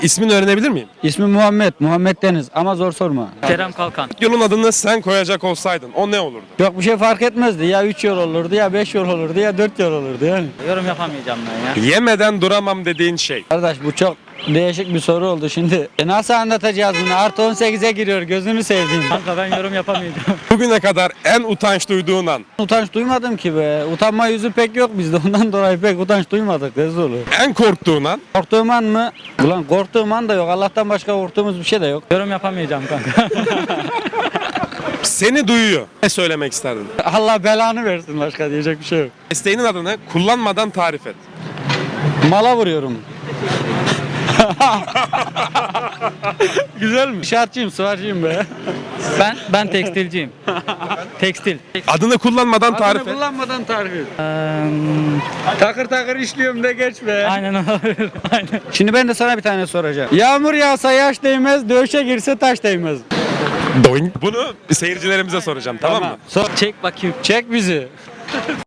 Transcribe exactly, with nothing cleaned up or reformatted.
İsmini öğrenebilir miyim? İsmi Muhammed, Muhammed Deniz ama zor sorma. Kerem Kalkan. Yolun adını sen koyacak olsaydın o ne olurdu? Yok bir şey fark etmezdi. Ya üç yol olurdu, ya beş yol olurdu, ya dört yol olurdu yani. Yorum yapamayacağım ben ya. Yemeden duramam dediğin şey. Kardeş bu çok değişik bir soru oldu şimdi. E nasıl anlatacağız bunu? Artı on sekize giriyor gözünü sevdiğim. Kanka ben yorum yapamayacağım. Bugüne kadar en utanç duyduğun an. Utanç duymadım ki be. Utanma yüzü pek yok bizde. Ondan dolayı pek utanç duymadık Rezulu. En korktuğun an. Korktuğum an mı? Ulan korktuğum an da yok. Allah'tan başka korktuğumuz bir şey de yok. Yorum yapamayacağım kanka. Seni duyuyor. Ne söylemek isterdin? Allah belanı versin, başka diyecek bir şey yok. Mesleğinin adını kullanmadan tarif et. Mala vuruyorum. Güzel mi? İnşaatçıyım, sıvarcıyım be. ben ben tekstilciyim. Tekstil. Adını kullanmadan tarif Adını et. kullanmadan tarif et. Eee, Takır takır işliyorum de geç be. aynen olabilir. Aynen. Şimdi ben de sana bir tane soracağım. Yağmur yağsa yaş değmez, dövüşe girse taş değmez. Doing. Bunu seyircilerimize soracağım, tamam mı? Sor. Çek bakayım. Çek bizi.